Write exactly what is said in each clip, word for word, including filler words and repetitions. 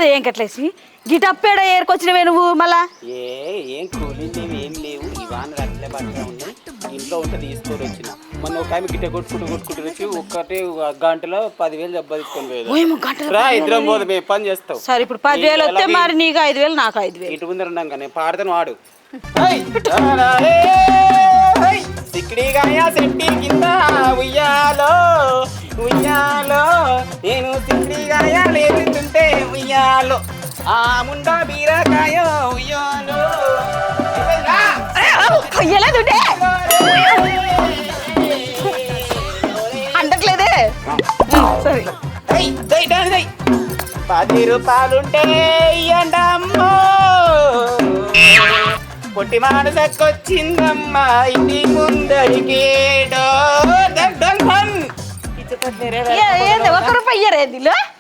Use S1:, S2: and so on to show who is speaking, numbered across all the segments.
S1: లేదు ఏం కట్లేసి గిటప్పేడ ఏరుకొచ్చినవే నువ్వు మళ్ళా
S2: ఏ ఏం కూలింగ్ ఏం లేవు ఇవాన్ అట్లే పట్టే ఉన్నాయి ఇంట్లో ఉంటే తీసుకొని వచ్చిన మొన్న ఒక ఆమె గిట్ట కొట్టుకుంటూ కొట్టుకుంటూ వచ్చి ఒక్కటే గంటలో పదివేలు దెబ్బ తీసుకొని పోయేది రా ఇద్దరం పోదు మేము పని చేస్తావు
S1: సరే ఇప్పుడు పదివేలు వస్తే మరి నీకు ఐదు వేలు నాకు ఐదు వేలు
S2: ఇటు ముందర ఉన్నాం కానీ పాడతాను వాడు సిక్కిడిగాయ సెట్టి కింద ఉయ్యాలో ఉయ్యాలో నేను సిక్కిడిగాయ లేపుతుంటే ఉయ్యాలో ఆ ముండా బీరకాయ ఉయ్యాలో
S1: అంటట్లేదే సరే
S2: పది రూపాయలుంటే ఇయ్యండమ్మో పొట్టి మానసకొచ్చిందమ్మా ఇంటి ముందరికి
S1: ఒక రూపాయి ఇయ్యరేది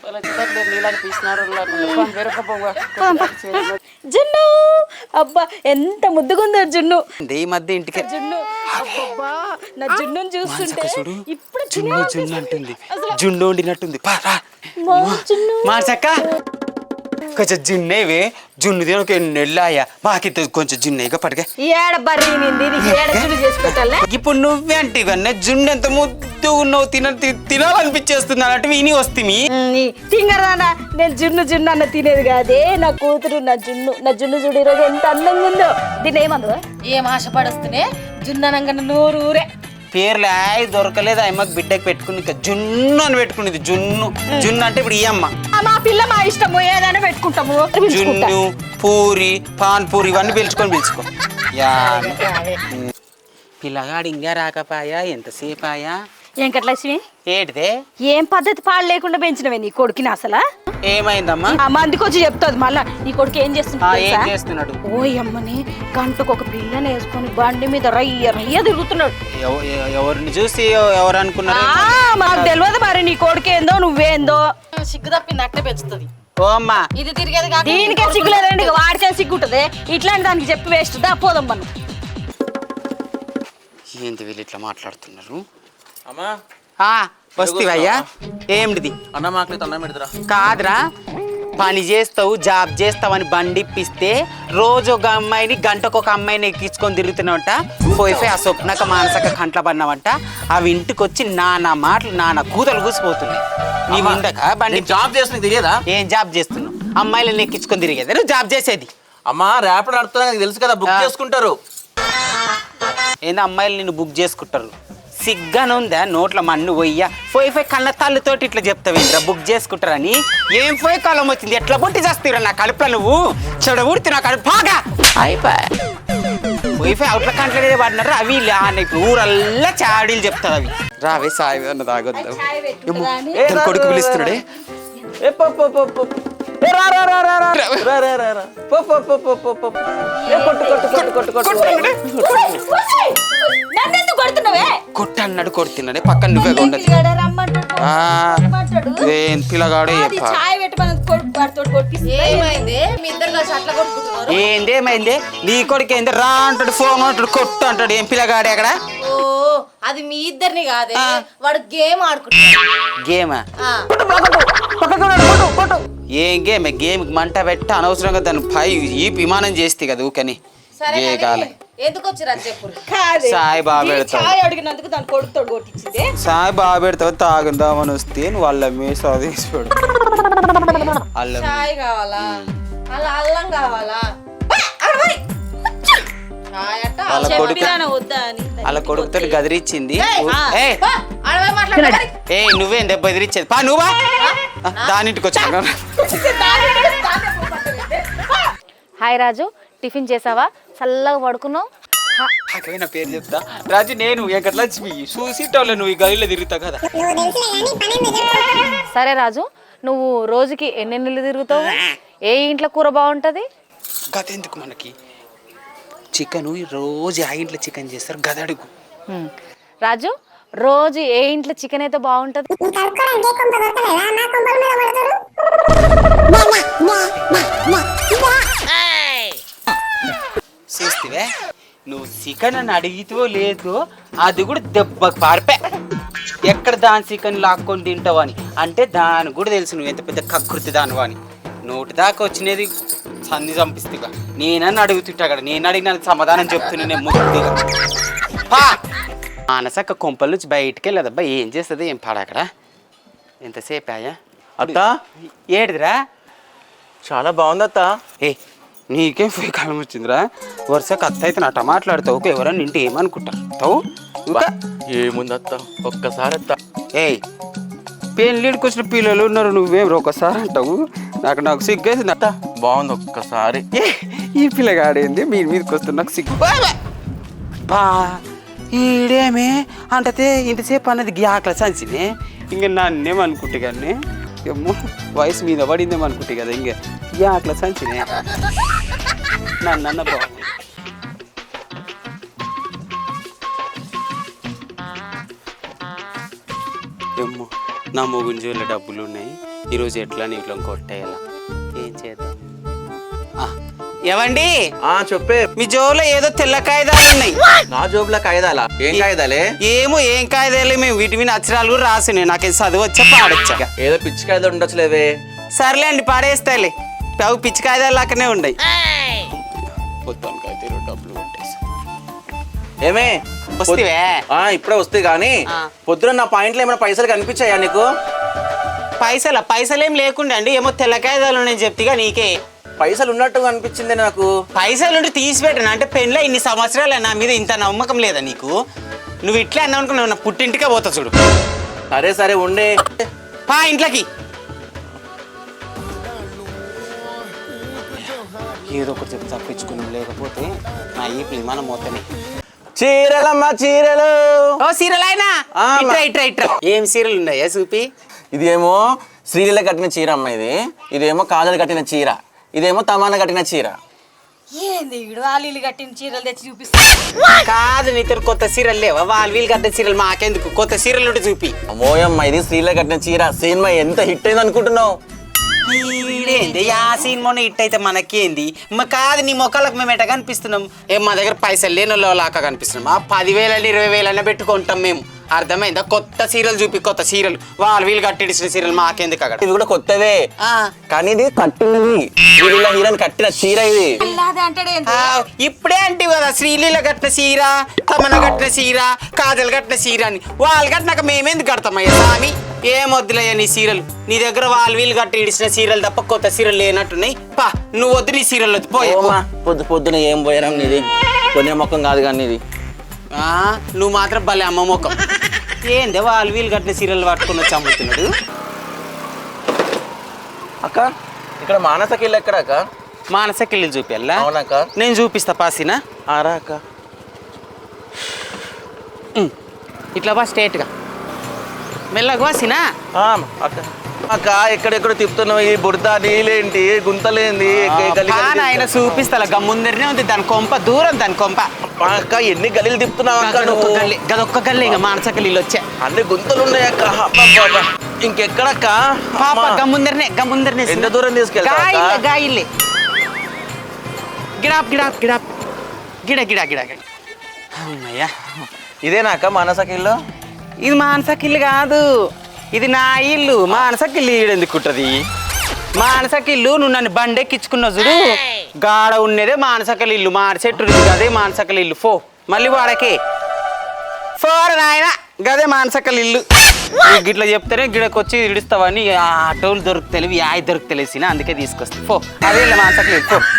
S1: జున్ను అబ్బా ఎంత ముద్దుగుందో జున్ను
S2: ఈ మధ్య ఇంటికి
S1: జున్ను అబ్బబ్బా నా జున్నుని చూస్తుంటే ఇప్పుడు
S2: జున్ను జున్ను అంటుంది జున్ను వండినట్టుంది మార్చక్క కొంచెం జున్నేవే జున్ను తిన ఒక నెల్లాయా మాకిద్ద కొంచెం జున్నేగా పట్టుగా
S1: ఏడ బర్రీనింది ఏడ జున్ను చేసి పెట్టాలే
S2: ఇప్పుడు నువ్వే అంటే ఇవన్నీ జున్ను ఎంత ముద్దు ఉన్నావు తిన తినాలనిపించేస్తుంది అన్నట్టు విని వస్తుంది
S1: తింగరానా నేను జున్ను జున్ను అన్న తినేది కాదే నా కూతురు నా జున్ను నా జున్ను చూడు ఈరోజు ఎంత అందంగా ఉందో దీని ఏమందు ఏం ఆశపడొస్తూనే జున్ను అనగానే నూరు ఊరే
S2: పేర్లు ఆయి దొరకలేదు అమ్మకి బిడ్డకి పెట్టుకుని ఇంకా జున్ను అని పెట్టుకునేది జున్ను జున్ను అంటే ఇప్పుడు ఈ అమ్మ
S1: మా పిల్ల మా ఇష్టము ఏదైనా పెట్టుకుంటాము
S2: జున్ను పూరి పాన్ పూరి ఇవన్నీ పిలుచుకొని పిలుచుకో యా పిల్లగాడు ఇంకా రాకపాయా ఎంతసేపు ఆయా
S1: ఏం కట్లక్ష్మి
S2: ఏంటిదే
S1: ఏం పద్ధతి పాడు లేకుండా పెంచినవే నీ కొడుకుని అసలు
S2: ఏమైందమ్మా
S1: ఆ మందికి వచ్చి చెప్తుంది మళ్ళా నీ కొడుకు ఏం
S2: ఏం చేస్తున్నాడు
S1: ఓ అమ్మని గంటకు ఒక పిల్లని వేసుకొని బండి మీద రయ్య రయ్య తిరుగుతున్నాడు
S2: ఎవరిని చూసి ఎవరు అనుకున్నారు
S1: మాకు తెలియదు మరి నీ కొడుకు ఏందో నువ్వేందో సిగ్గు తప్పింది అట్లే పెంచుతుంది
S2: ఓ అమ్మా
S1: ఇది తిరిగేది దీనికే సిగ్గు లేదండి వాడికే సిగ్గు ఉంటుంది ఇట్లాంటి దానికి చెప్పి వేస్ట్ దా పోదాం మనం
S2: ఏంటి వీళ్ళు ఇట్లా మాట్లాడుతున్నారు
S3: అమ్మా
S2: వస్తీవయ్యా ఏమిటిది
S3: అన్న మాకు అన్నం పెడతారా
S2: కాదురా పని చేస్తావు జాబ్ చేస్తావని బండి ఇప్పిస్తే రోజు ఒక అమ్మాయిని గంటకు ఒక అమ్మాయిని ఎక్కించుకొని తిరుగుతున్నావంట పోయిపోయి ఆ స్వప్నక మానసక కంట్ల పడినావంట అవి ఇంటికి వచ్చి నానా మాటలు నానా కూతలు కూసిపోతుంది నీ ముందక బండి
S3: జాబ్ చేస్తున్నా తెలియదా
S2: ఏం జాబ్ చేస్తున్నావు అమ్మాయిలను ఎక్కించుకొని తిరిగేది నువ్వు జాబ్ చేసేది
S3: అమ్మా ర్యాపిడ్ నడుపుతున్నా తెలుసు కదా బుక్ చేసుకుంటారు
S2: ఏందో అమ్మాయిలు నిన్ను బుక్ చేసుకుంటారు సిగ్గానుందా నోట్ల మన్ను పోయ్యా పోయి పోయి కళ్ళ తల్లితోటి ఇట్లా చెప్తావేంద్రా బుక్ చేసుకుంటారని ఏం పోయి కాలం వచ్చింది ఎట్లా బుట్టి చేస్తావురా నా కడుపులో నువ్వు చెడ ఊడితే నా కడుపు బాగా అయిపోయా పోయి పోయి అవుట్ల కంట్లనే పడినారు అవి ఇప్పుడు ఊరల్లా చాడీలు చెప్తారు అవి రావే సాయి అన్న తాగొద్దాం కొడుకు పిలుస్తున్నాడే కొట్ట అన్నాడు కొడుతున్నాడే పక్కన నువ్వే ఉండదు పిల్లగాడు ఏందేమైంది నీ కొడుకు ఏంది రా అంటాడు ఫోన్ అంటాడు కొట్టు అంటాడు ఏం పిల్లగాడు ఎక్కడ
S4: అది మీ ఇద్దరిని కాదే వాడు గేమ్ ఆడుకుంటాడు
S2: గేమా ఏం గేమ్ గేమ్ మంట పెట్ట అనవసరంగా దాన్ని పై ఈ విమానం చేస్తే కదా ఊకని ఏ కాలే
S4: ఎందుకు వచ్చిరా చెప్పు
S2: సాయి బాగా పెడతావు
S1: అడిగినందుకు దాని కొడుకుతోడు కొట్టించింది
S2: సాయి బాగా పెడతావు తాగుదామని వస్తే నువ్వు వాళ్ళ మీసా తీసిపోడు అల్లం
S4: చాయ్ కావాలా అలా అల్లం కావాలా
S2: వాళ్ళ కొడుకు వాళ్ళ కొడుకుతో గదిరిచ్చింది ఏ నువ్వేం దెబ్బ ఎదిరిచ్చేది పా నువ్వా దానింటికి వచ్చా
S4: హాయ్ రాజు టిఫిన్ చేసావా చల్లగా పడుకున్నావు
S2: నా పేరు చెప్తా రాజు నేను వెంకటలక్ష్మి చూసిటోళ్ళ నువ్వు ఈ గదిలో తిరుగుతావు కదా
S4: సరే రాజు నువ్వు రోజుకి ఎన్నెన్నిళ్ళు తిరుగుతావు ఏ ఇంట్లో కూర బాగుంటది
S2: గత ఎందుకు మనకి చికెన్ రోజు ఆ ఇంట్లో చికెన్ చేస్తారు గదడుగు
S4: రాజు రోజు ఏ ఇంట్లో చికెన్ అయితే బాగుంటది
S2: చూస్తే నువ్వు చికెన్ అని అడిగితే లేదు అది కూడా దెబ్బకు పారిపే ఎక్కడ దాని చికెన్ లాక్కొని తింటావు అని అంటే దాని కూడా తెలుసు నువ్వు ఎంత పెద్ద కకృతి దానివా అని నోటి దాకా వచ్చినది సంధి చంపిస్తుగా నేనని అడుగుతుంటా అక్కడ నేను అడిగిన సమాధానం చెప్తున్నా నేను ముద్దుగా పా మానసక్క కొంపల నుంచి బయటికి వెళ్ళదబ్బా ఏం చేస్తుంది ఏం పాడ అక్కడ ఎంతసేపు ఆయా
S3: అత్త
S2: ఏడిదిరా
S3: చాలా బాగుంది అత్త.
S2: ఏ నీకేం పోయి కాలం వచ్చిందిరా వరుసకు అత్త అయితే నాట మాట్లాడతావు ఎవరన్నా ఇంటి ఏమనుకుంటారు తావు ఇంకా
S3: ఏముంది అత్త ఒక్కసారి అత్త.
S2: ఏయ్ పెళ్ళిడికి వచ్చిన పిల్లలు ఉన్నారు నువ్వేం ఒకసారి అంటావు నాకు నాకు సిగ్గేసింది అత్త
S3: బాగుంది ఒక్కసారి.
S2: ఏ ఈ పిల్లగాడేంది మీ మీదకి వస్తుంది నాకు సిగ్గు బా, బా ఈడేమే అంటే ఇంతసేపు అన్నది గ్యాక్ల సంచినే ఇంక నన్నేమనుకుంటే కానీ ఏమో వయసు మీద పడిందేమో అనుకుంటే కదా ఇంక గ్యాక్ల సంచినే నన్ను అన్న బాబు ఏమో నా మొగుని జోళ్ళ డబ్బులు ఉన్నాయి ఈరోజు ఎట్లా నీట్లో కొట్టేయాల ఏం చేద్దాం ఏవండి
S3: ఆ చెప్పే.
S2: మీ జోలో ఏదో తెల్ల కాగితాలు ఉన్నాయి
S3: నా జోబులో కాగిదాలా? ఏం కాగిదాలే?
S2: ఏమో ఏం కాగితాలు మేము వీటి మీద అక్షరాలు కూడా రాసినాయి నాకు చదువు వచ్చా పాడొచ్చా
S3: ఏదో పిచ్చి కాగిదాలు ఉండొచ్చులేవే.
S2: సర్లే అండి పాడేస్తాయిలే అవి పిచ్చి కాగితాలు లాగానే ఉన్నాయి పొద్దునకి అయితే డబ్బులు కొట్టేసి
S3: ఏమే
S2: వస్తేవే
S3: ఆ ఇప్పుడే వస్తే గానీ పొద్దున నా పాయింట్లో ఏమైనా పైసలు కనిపించాయా నీకు?
S2: పైసలు పైసలు ఏం లేకుండా అండి ఏమో తెల్ల కాగితాలు ఉన్నాయని చెప్తిగా నీకే
S3: పైసలు ఉన్నట్టు అనిపించింది నాకు.
S2: పైసలు ఉండి తీసి పెట్టను అంటే పెళ్ళి ఇన్ని సంవత్సరాలు నా మీద ఇంత నమ్మకం లేదా నీకు నువ్వు ఇట్లా అన్నావు అనుకున్నావు నా పుట్టింటికే పోతా చూడు
S3: సరే సరే ఉండే
S2: పా ఇంట్లోకి ఏదో ఒకటి చెప్పి తప్పించుకున్నాం లేకపోతే నా ఈ విమానం మొత్తమే
S3: చీరలమ్మా చీరలు.
S2: ఓ సీరియల్ అయినా ఇట్రా ఇట్రా ఇట్రా ఏం సీరియల్ ఉన్నాయా చూపి
S3: ఇది ఏమో శ్రీలీల కట్టిన చీర అమ్మ, ఇది ఇదేమో కాజల్ కట్టిన చీర, ఇదేమో తమాన కట్టిన చీర.
S1: ఏంది వీడు వాళ్ళు కట్టిన చీరలు తెచ్చి చూపిస్తా
S2: కాదు నీతో కొత్త సీరియల్ లేవా వాళ్ళు వీళ్ళు కట్టిన సీరియల్ మాకెందుకు కొత్త సీరియల్ ఉంటే చూపి
S3: అమ్మోయమ్మ ఇది శ్రీలీల కట్టిన చీర. సినిమా ఎంత హిట్ అయింది అనుకుంటున్నావు?
S2: ఏంది ఆ సినిమా హిట్ అయితే మనకేంది మా కాదు నీ మొక్కలకు మేము ఎట్ట కనిపిస్తున్నాం ఏం మా దగ్గర పైసలు లేని లాగా కనిపిస్తున్నాం ఆ పదివేలని ఇరవై వేలన్నా పెట్టుకుంటాం మేము అర్థమైందా కొత్త సీరియల్ చూపి కొత్త సీరియల్ వాళ్ళు వీళ్ళు కట్టిడిచిన సీరియల్ మాకెందుకు అక్కడ
S3: ఇది కూడా కొత్తదే
S2: ఆ,
S3: కానీ ఇది కట్టినది శ్రీలీల హీరోని కట్టిన చీర ఇది.
S2: ఆ, ఇప్పుడే అంటే కదా శ్రీలీల కట్టిన చీర తమన కట్టిన చీర కాజల్ కట్టిన చీర అని వాళ్ళు కట్టినాక మేమెందుకు కడతామయ్యా స్వామి ఏం వద్దులయ్యా నీ సీరియల్ నీ దగ్గర వాళ్ళు వీళ్ళు కట్టి ఇడిచిన సీరియల్ తప్ప కొత్త సీరియల్ లేనట్టున్నాయి పా నువ్వు వద్దు నీ సీరియల్ వద్దు పోయే
S3: ఓమా, పొద్దు పొద్దున ఏం పోయారం నీది కొనే మొక్కం కాదు కానీ ఇది.
S2: ఆ, నువ్వు మాత్రం భలే అమ్మ ముఖం ఏందే వాళ్ళు వీళ్ళు కట్టిన సీరియల్ పట్టుకుని వచ్చి అమ్ముతున్నాడు
S3: అక్క ఇక్కడ మానసకిల్లు ఎక్కడ అక్క?
S2: మానసకెళ్ళి చూపిల్లా
S3: అవునక్క.
S2: నేను చూపిస్తా పాసినా
S3: ఆరా అక్క.
S2: ఇట్లా బా స్ట్రేట్గా మెల్లగా వాసినా
S3: ఆ, అక్క అక్క ఎక్కడెక్కడ తిప్పుతున్నావు? ఈ బురద నీళ్ళేంటి గుంతలేంది
S2: ఆయన చూపిస్తా గమ్ముందరనే ఉంది దాని కొంప దూరం దాని కొంప
S3: అక్క ఎన్ని గలీలు తిప్పుతున్నావు అక్క
S2: గదొక్క
S3: నువ్వు?
S2: గల్లి గదొక్క గల్లి ఇంకా మానసకెళ్ళి వచ్చా
S3: అన్ని గుంతలు ఉన్నాయి అక్క. అబ్బబ్బబ్బ. ఇంకెక్కడక్క?
S2: పాప
S3: అమ్మా.
S2: గమ్ముందరనే గమ్ముందరనే
S3: ఎంత దూరం తీసుకెళ్తావు అక్క?
S2: గాయిల్లే గాయిల్లే గిడాప్ గిడాప్ గిడాప్ గిడ గిడ గిడ గిడ అమ్మయ్యా
S3: ఇదేనా అక్క మానసకిల్లు?
S2: ఇది మానసకిల్లు కాదు ఇది నా ఇల్లు మానసకిల్లు ఈడెందుకుంటది మానసకిల్లు నువ్వు నన్ను బండెక్కించుకున్నావు చూడు గాడ ఉన్నదే మానసకల ఇల్లు మాడి చెట్టు గదే మానసకల ఇల్లు ఫో మళ్ళీ వాడకే ఫోర్ నాయన గదే మానసకల ఇల్లు గిట్లా చెప్తేనే గిడకు వచ్చి ఇడుస్తావని ఆటోలు దొరుకుతలేవు యాయ్ దొరుకుతలేసిన అందుకే తీసుకొస్తా ఫో అదే మానసకల ఇల్లు ఫో